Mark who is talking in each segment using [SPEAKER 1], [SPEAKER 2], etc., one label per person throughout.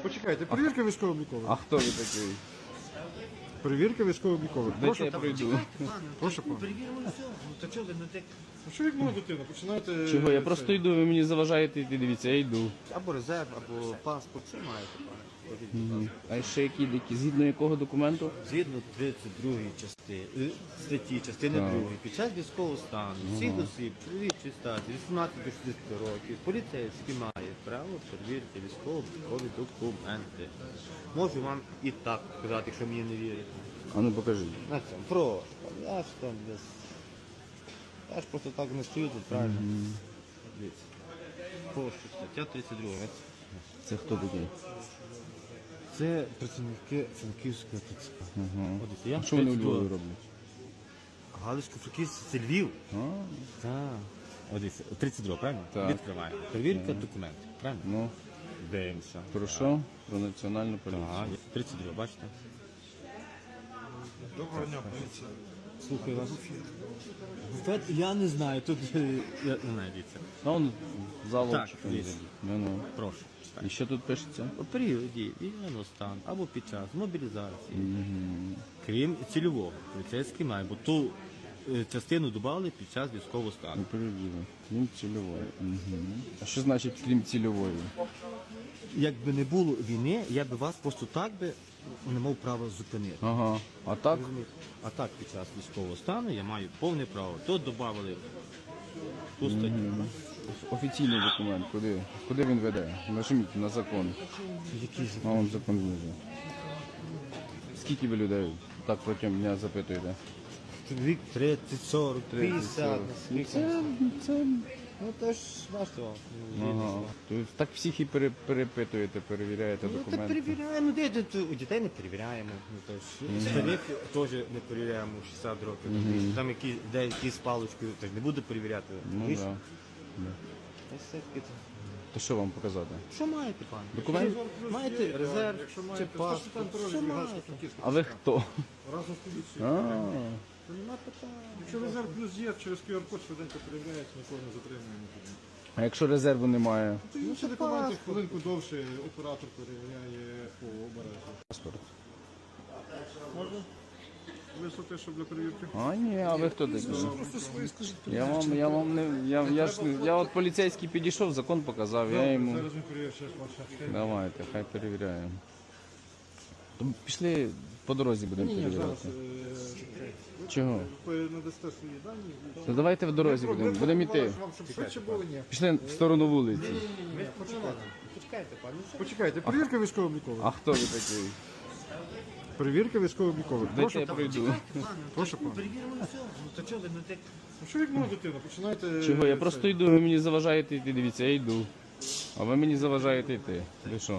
[SPEAKER 1] Почекайте, перевірка військово-облікових.
[SPEAKER 2] А хто ви такий?
[SPEAKER 1] Перевірка військово-облікових.
[SPEAKER 2] Дайте я пройду.
[SPEAKER 1] Прошу пана.
[SPEAKER 3] Перевіримо все. Ну то чого ви не так?
[SPEAKER 1] Ну що як моя дитина? Починаєте...
[SPEAKER 2] Чого? Я просто йду, ви мені заважаєте йти, дивіться, я йду.
[SPEAKER 3] Або резерв, або паспорт, що маєте, пане?
[SPEAKER 2] А ще які, згідно якого документу?
[SPEAKER 3] Згідно 32 статті, частини 2, під час військового стану, всіх осіб, чоловічої статі, 18 до 60 років, поліцейські мають право перевірити військово-облікові документи. Можу вам і так сказати, якщо мені не вірите.
[SPEAKER 2] А ну покажи.
[SPEAKER 3] На цьому, прошу. Я ж там без... Я ж просто так не стою тут, правильно? Дивіться. Прошу, стаття 32.
[SPEAKER 2] Це хто такий?
[SPEAKER 3] Це працівники Франківського ТЦК. От, я
[SPEAKER 2] А що вони у
[SPEAKER 3] 32.
[SPEAKER 2] Львові роблять?
[SPEAKER 3] Галицько-Франківський це Львів.
[SPEAKER 2] А,
[SPEAKER 3] Так. От дивіться, 32, правильно?
[SPEAKER 2] Так.
[SPEAKER 3] Відкриваємо. Перевірка документів, правильно?
[SPEAKER 2] ну,
[SPEAKER 3] Дивимося.
[SPEAKER 2] про що? Про національну поліцію.
[SPEAKER 3] Так, 32, бачите?
[SPEAKER 1] Доброго дня, поліція.
[SPEAKER 3] Слухаю вас. Буфет, я не знаю, тут я не знаю, дивіться.
[SPEAKER 2] А он залом
[SPEAKER 3] Так,
[SPEAKER 2] чи там
[SPEAKER 3] дивіться.
[SPEAKER 2] де? Ну.
[SPEAKER 3] Прошу.
[SPEAKER 2] І що тут пишеться?
[SPEAKER 3] У періоді військового стану або під час мобілізації, крім цільового, поліцейський має, бо ту частину додали під час військового стану.
[SPEAKER 2] Перевірю. Крім цільової. А що значить крім цільової?
[SPEAKER 3] Якби не було війни, я би вас просто так би не мав права зупинити.
[SPEAKER 2] Ага. А так?
[SPEAKER 3] А так під час військового стану я маю повне право. Тут додали ту статтю.
[SPEAKER 2] Офіційний документ. Куди? Куди він веде? Нажміть на закон.
[SPEAKER 3] Який
[SPEAKER 2] А вон закон знизу. Скільки ви людей так протягом дня запитуєте?
[SPEAKER 3] чоловік 30, 40, 50.
[SPEAKER 2] Це
[SPEAKER 3] Ну то ж бачите вам.
[SPEAKER 2] ага. Тобто так всіх і перепитуєте, перевіряєте
[SPEAKER 3] Ну так
[SPEAKER 2] документи.
[SPEAKER 3] перевіряємо, де тут у дітей не перевіряємо. Ну, то ж, старих теж не перевіряємо 60 років. Там які з паличкою теж не буду перевіряти.
[SPEAKER 2] Ну
[SPEAKER 3] Ви ж-
[SPEAKER 2] так.
[SPEAKER 3] Та все-таки
[SPEAKER 2] То що вам показати?
[SPEAKER 3] що маєте, пане?
[SPEAKER 2] Документ?
[SPEAKER 3] Маєте резерв
[SPEAKER 1] Якщо
[SPEAKER 3] чи
[SPEAKER 1] маєте,
[SPEAKER 3] паспорт? Що маєте?
[SPEAKER 2] А ви хто?
[SPEAKER 1] Разом з поліцією.
[SPEAKER 2] А,
[SPEAKER 3] Нема питань.
[SPEAKER 1] Якщо резерв плюс є, через QR-код швиденько перевіряється, нікого не затримуємо.
[SPEAKER 2] а якщо резерву немає?
[SPEAKER 1] Ну, ще документи хвилинку довше оператор перевіряє по обережжю.
[SPEAKER 2] Паспорт.
[SPEAKER 1] Можна? Висоти, щоб для перевірки?
[SPEAKER 2] А ні, а ви хто такий?
[SPEAKER 1] Просто свої скажіть.
[SPEAKER 2] Я вам не. Я от поліцейський підійшов, закон показав, я йому.
[SPEAKER 1] Зараз ми перевіримо ще ваше.
[SPEAKER 2] Давайте, хай перевіряємо. То пішли по дорозі будемо
[SPEAKER 1] Ні, зараз
[SPEAKER 2] перевіряти. Чого?
[SPEAKER 1] ви надасте свої дані.
[SPEAKER 2] То давайте в дорозі будемо йти.
[SPEAKER 1] Вам, щоб швидше було, ні.
[SPEAKER 2] Пішли в сторону вулиці.
[SPEAKER 3] Почекайте, пане.
[SPEAKER 1] Почекайте, перевірка військово-облікових.
[SPEAKER 2] А хто ви такий?
[SPEAKER 1] Перевірка військово-облікових.
[SPEAKER 2] Дайте я пройду.
[SPEAKER 1] Прошу пана.
[SPEAKER 3] Перевіримо все. Ну то чого ви не так?
[SPEAKER 1] Ну що як моя дитина? Починаєте...
[SPEAKER 2] Чого? Я просто йду, ви мені заважаєте йти, дивіться, я йду. А ви мені заважаєте йти. Ви що?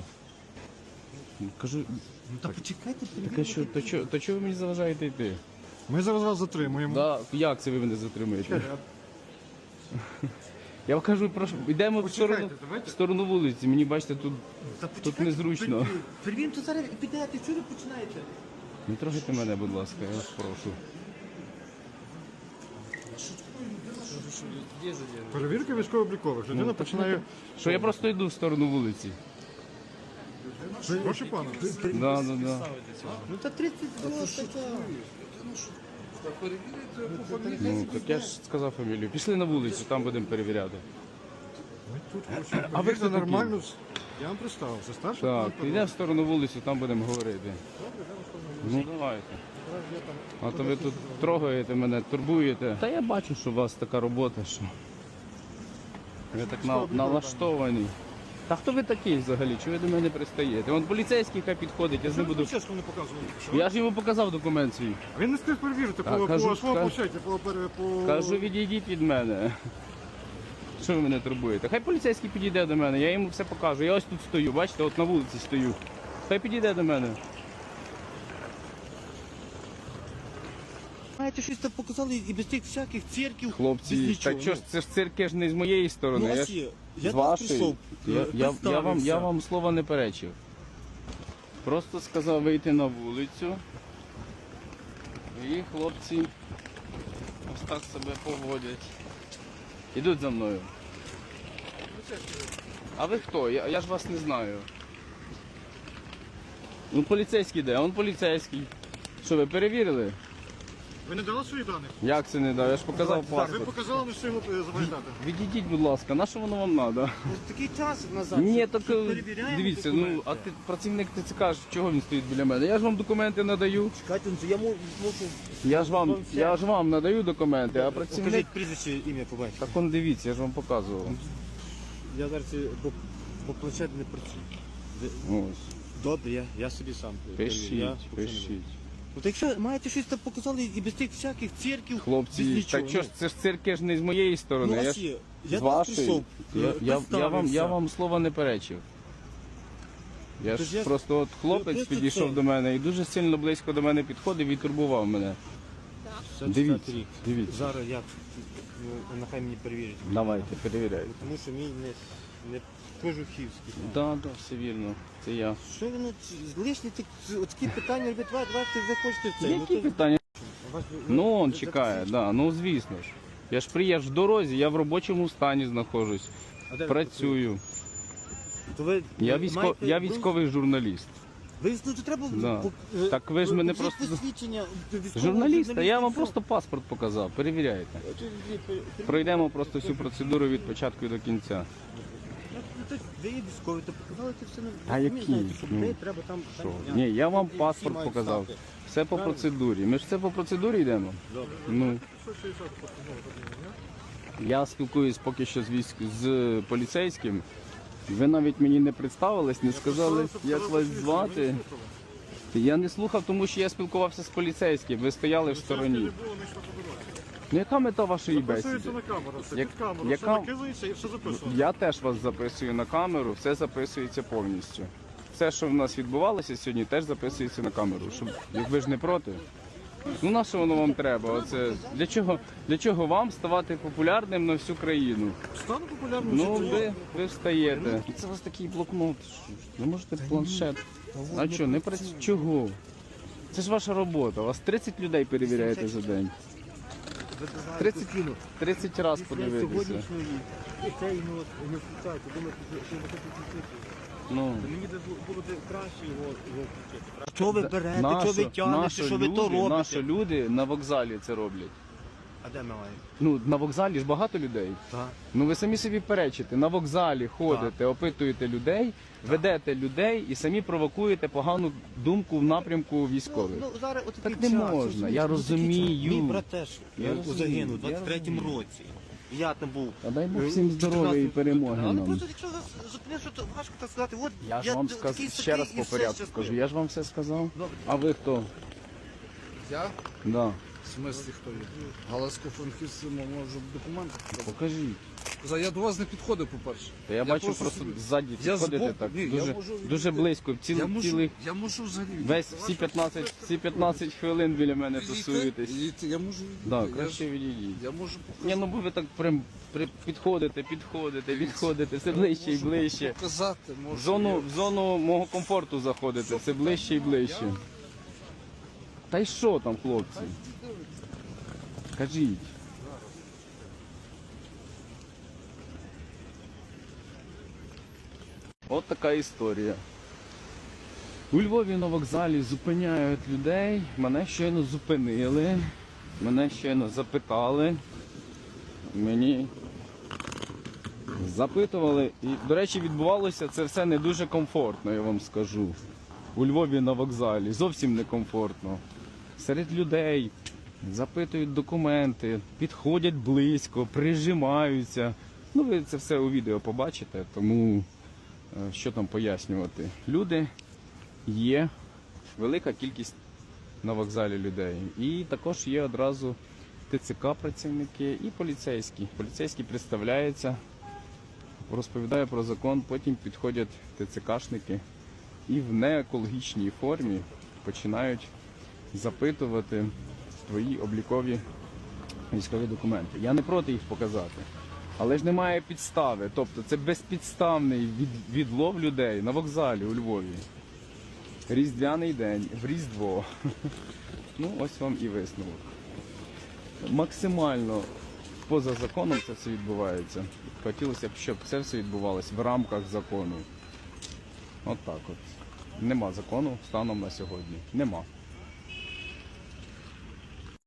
[SPEAKER 2] Кажу,
[SPEAKER 3] Ну та почекайте,
[SPEAKER 2] таке що, то чого ви мені заважаєте йти?
[SPEAKER 1] Ми зараз вас затримуємо.
[SPEAKER 2] Да, як це ви мене затримуєте? Я вам кажу, прошу, йдемо в сторону,
[SPEAKER 1] давайте.
[SPEAKER 2] в сторону вулиці. Мені бачите, тут
[SPEAKER 3] Та
[SPEAKER 2] тут
[SPEAKER 3] почекайте,
[SPEAKER 2] незручно.
[SPEAKER 3] Перевіримо, то зараз і підете. Чого ви починаєте?
[SPEAKER 2] Не трогайте мене, будь ласка, я вас прошу.
[SPEAKER 1] Перевірка військово-облікових. Людина починає...
[SPEAKER 2] Що я просто йду в сторону вулиці.
[SPEAKER 1] Прошу пана.
[SPEAKER 2] Да.
[SPEAKER 3] Ну та 32 стаття.
[SPEAKER 2] Ну, так я ж сказав фамілію. Пішли на вулицю, там будемо перевіряти.
[SPEAKER 1] А ви це нормально? Я вам представився. Старший
[SPEAKER 2] Так,
[SPEAKER 1] лейтенант.
[SPEAKER 2] йдемо в сторону вулицю, там будемо говорити. Ну давайте. А то ви тут трогаєте мене, турбуєте. Та я бачу, що у вас така робота, що ви так налаштовані. Та хто ви такий взагалі? Чого ви до мене пристаєте? Вон поліцейський хай підходить, я з ним буду.
[SPEAKER 1] Чесно не показували.
[SPEAKER 2] Я ж йому показав документ свій.
[SPEAKER 1] Він не встиг перевірити
[SPEAKER 2] Так,
[SPEAKER 1] по
[SPEAKER 2] кажу,
[SPEAKER 1] своєму
[SPEAKER 2] кажу.
[SPEAKER 1] площаді, по...
[SPEAKER 2] Кажу, відійдіть від мене. Що ви мене турбуєте? Хай поліцейський підійде до мене, я йому все покажу. Я ось тут стою, бачите, от на вулиці стою. Хай підійде до мене.
[SPEAKER 3] Знаєте, щось там показали і без тих всяких цирків. без
[SPEAKER 2] Хлопці,
[SPEAKER 3] нічого.
[SPEAKER 2] так що ж це ж цирки ж не з моєї сторони.
[SPEAKER 3] Ну,
[SPEAKER 2] я
[SPEAKER 3] ось
[SPEAKER 2] ж
[SPEAKER 3] є. Я
[SPEAKER 2] з
[SPEAKER 3] до вас
[SPEAKER 2] вашої.
[SPEAKER 3] прийшов,
[SPEAKER 2] Я
[SPEAKER 3] представився.
[SPEAKER 2] вам слова не перечив. Просто сказав вийти на вулицю. І хлопці ось так себе поводять. Ідуть за мною. А ви хто? Я ж вас не знаю. Ну поліцейський де? А он поліцейський. Що, ви перевірили?
[SPEAKER 1] Ви не дали свої дані?
[SPEAKER 2] Як це не дав? Я ж показав
[SPEAKER 1] Ви
[SPEAKER 2] паспорт.
[SPEAKER 1] показали, не встигли запам'ятати.
[SPEAKER 2] Відійдіть, будь ласка, на що воно вам треба?
[SPEAKER 3] Такий час назад.
[SPEAKER 2] Ні,
[SPEAKER 3] що
[SPEAKER 2] так
[SPEAKER 3] перевіряємо
[SPEAKER 2] дивіться,
[SPEAKER 3] документи.
[SPEAKER 2] ну а ти працівник ТЦК, чого він стоїть біля мене? Я ж вам документи надаю.
[SPEAKER 3] Чекайте, ну, я мушу...
[SPEAKER 2] Я ж вам надаю документи, а працівник.
[SPEAKER 3] Покажіть прізвище, ім'я, побачите.
[SPEAKER 2] Так он дивіться, я ж вам показував.
[SPEAKER 3] Я зараз по планшету не працюю.
[SPEAKER 2] Ось.
[SPEAKER 3] Добре, я собі сам.
[SPEAKER 2] Пишіть,
[SPEAKER 3] Я поки не буду.
[SPEAKER 2] пишіть.
[SPEAKER 3] От якщо маєте щось там показали і без тих всяких цирків, без
[SPEAKER 2] Хлопці,
[SPEAKER 3] нічого.
[SPEAKER 2] так що ж це ж цирки ж не з моєї сторони.
[SPEAKER 3] Ну,
[SPEAKER 2] я
[SPEAKER 3] а
[SPEAKER 2] ж
[SPEAKER 3] ще, я
[SPEAKER 2] з
[SPEAKER 3] до вас
[SPEAKER 2] вашої.
[SPEAKER 3] прийшов,
[SPEAKER 2] Я
[SPEAKER 3] представився.
[SPEAKER 2] вам слова не перечив. Я
[SPEAKER 3] Тож
[SPEAKER 2] ж
[SPEAKER 3] я-
[SPEAKER 2] просто от хлопець
[SPEAKER 3] просто
[SPEAKER 2] підійшов
[SPEAKER 3] це-
[SPEAKER 2] до мене і дуже сильно близько до мене підходив і турбував мене.
[SPEAKER 3] 64
[SPEAKER 2] Дивіться,
[SPEAKER 3] рік.
[SPEAKER 2] дивіться.
[SPEAKER 3] Зараз я, нехай мені перевірять.
[SPEAKER 2] Давайте, перевіряйте.
[SPEAKER 3] Тому що мій не кожухівський.
[SPEAKER 2] Так, так, все вірно. Це я.
[SPEAKER 3] Що ви, лишні такі питання робити, давайте ви хочете в це.
[SPEAKER 2] Які питання? Ну, он чекає, да, ну звісно ж. Я ж приїжджав в дорозі, я в робочому стані знаходжусь. Працюю.
[SPEAKER 3] То ви
[SPEAKER 2] Я
[SPEAKER 3] маєте-
[SPEAKER 2] військовий журналіст.
[SPEAKER 3] Ну, то треба...
[SPEAKER 2] Да. Так ви ж мене
[SPEAKER 3] покажіть
[SPEAKER 2] просто-
[SPEAKER 3] посвідчення військового
[SPEAKER 2] Журналіста, я вам
[SPEAKER 3] журналіста.
[SPEAKER 2] просто паспорт показав, перевіряйте. Пройдемо просто всю процедуру від початку до кінця.
[SPEAKER 3] Ви є військові, то показали це все.
[SPEAKER 2] А
[SPEAKER 3] ви
[SPEAKER 2] які?
[SPEAKER 3] знаєте, що
[SPEAKER 2] Ну,
[SPEAKER 3] людей треба там...
[SPEAKER 2] Що?
[SPEAKER 3] там-
[SPEAKER 2] Ні, я вам
[SPEAKER 3] всі
[SPEAKER 2] паспорт
[SPEAKER 3] мають
[SPEAKER 2] показав.
[SPEAKER 3] стати.
[SPEAKER 2] Все по процедурі. Ми ж все по процедурі йдемо.
[SPEAKER 3] Добре.
[SPEAKER 2] Ну,
[SPEAKER 1] 160 постанова ні?
[SPEAKER 2] я спілкуюсь поки що з поліцейським. Ви навіть мені не представились, не сказали, як вас звати. Я не слухав, тому що я спілкувався з поліцейським. Ви стояли в
[SPEAKER 1] Не
[SPEAKER 2] стороні.
[SPEAKER 1] було, ми йшли по дорозі.
[SPEAKER 2] Ну яка мета вашої бесіди?
[SPEAKER 1] Записується на камеру, все
[SPEAKER 2] Як-
[SPEAKER 1] під камеру, все
[SPEAKER 2] яка-
[SPEAKER 1] накидається і все записується.
[SPEAKER 2] Я теж вас записую на камеру, все записується повністю. Все, що в нас відбувалося сьогодні, теж записується на камеру. Щоб, як ви ж не проти. Ну на що воно вам треба? Оце для чого вам ставати популярним на всю країну?
[SPEAKER 1] Стану популярним.
[SPEAKER 2] Ну
[SPEAKER 1] чи ні?
[SPEAKER 2] ви встаєте. Це у вас такий блокнот. Ви можете планшет. А що, не працює? Чого? Це ж ваша робота. У вас 30 людей перевіряєте за день. 30 разів подивитися.
[SPEAKER 3] Сьогоднішньої цей не включаєте, думаєте, що ви хочете включити.
[SPEAKER 2] Ну.
[SPEAKER 3] Мені було б краще його включити. Що ви берете, що ви тягнете, що ви то
[SPEAKER 2] Наші
[SPEAKER 3] робите?
[SPEAKER 2] люди на вокзалі це роблять.
[SPEAKER 3] А де ми маємо?
[SPEAKER 2] Ну, на вокзалі ж багато людей.
[SPEAKER 3] Так.
[SPEAKER 2] Ну ви самі собі перечите. На вокзалі ходите, опитуєте людей, ведете людей і самі провокуєте погану думку в напрямку військових.
[SPEAKER 3] Ну, зараз от
[SPEAKER 2] Так
[SPEAKER 3] такий
[SPEAKER 2] не
[SPEAKER 3] час,
[SPEAKER 2] можна,
[SPEAKER 3] розумієте,
[SPEAKER 2] я
[SPEAKER 3] ну, такий
[SPEAKER 2] розумію.
[SPEAKER 3] час. Мій брат теж
[SPEAKER 2] Я розумію,
[SPEAKER 3] загинув у
[SPEAKER 2] я
[SPEAKER 3] 23-му
[SPEAKER 2] розумію.
[SPEAKER 3] році. Я там був.
[SPEAKER 2] А дай Бог всім здоров'я і перемоги
[SPEAKER 3] Але
[SPEAKER 2] нам.
[SPEAKER 3] просто якщо вас зупиниш, що то важко так сказати. От
[SPEAKER 2] Я ж вам
[SPEAKER 3] такий
[SPEAKER 2] ще раз
[SPEAKER 3] такий,
[SPEAKER 2] по
[SPEAKER 3] і
[SPEAKER 2] порядку
[SPEAKER 3] все
[SPEAKER 2] скажу.
[SPEAKER 3] щасливо.
[SPEAKER 2] Я ж вам все сказав.
[SPEAKER 3] Добре.
[SPEAKER 2] А ви хто?
[SPEAKER 1] Я?
[SPEAKER 2] Да.
[SPEAKER 1] В смислі хто є? Галицько-Франківський можу документи.
[SPEAKER 2] Покажіть.
[SPEAKER 1] Я до вас не підходив, по-перше.
[SPEAKER 2] Та я бачу просто
[SPEAKER 1] собі-
[SPEAKER 2] ззаді
[SPEAKER 1] Я
[SPEAKER 2] підходите
[SPEAKER 1] збоку,
[SPEAKER 2] так.
[SPEAKER 1] ні, я
[SPEAKER 2] Дуже,
[SPEAKER 1] можу
[SPEAKER 2] дуже
[SPEAKER 1] відійти.
[SPEAKER 2] близько. Цілий
[SPEAKER 1] Я можу взагалі.
[SPEAKER 2] весь всі 15 хвилин біля мене тусуєтесь.
[SPEAKER 1] Я можу відійти.
[SPEAKER 2] Да,
[SPEAKER 1] Я
[SPEAKER 2] краще
[SPEAKER 1] ж-
[SPEAKER 2] відійдіть.
[SPEAKER 1] Я можу
[SPEAKER 2] Ні, ну бо ви так прям підходите, все ближче і ближче.
[SPEAKER 1] показати, можу.
[SPEAKER 2] В зону мого комфорту заходите, все ближче і ближче. Та й що там, хлопці? Кажіть. От така історія. У Львові на вокзалі зупиняють людей. Мене щойно зупинили. Мене щойно запитали. Мені запитували. І, до речі, відбувалося це все не дуже комфортно, я вам скажу. У Львові на вокзалі. Зовсім не комфортно. Серед людей запитують документи, підходять близько, прижимаються. Ну, ви це все у відео побачите, тому що там пояснювати. Люди є, велика кількість на вокзалі людей. І також є одразу ТЦК працівники і поліцейські. Поліцейський представляється, розповідає про закон, потім підходять ТЦКшники і в неекологічній формі починають запитувати твої облікові військові документи. Я не проти їх показати, але ж немає підстави. Тобто це безпідставний відлов людей на вокзалі у Львові. Різдвяний день, в Різдво. Ну, ось вам і висновок. Максимально поза законом це все відбувається. Хотілося б, щоб це все відбувалося в рамках закону. От так от. Нема закону станом на сьогодні. Нема.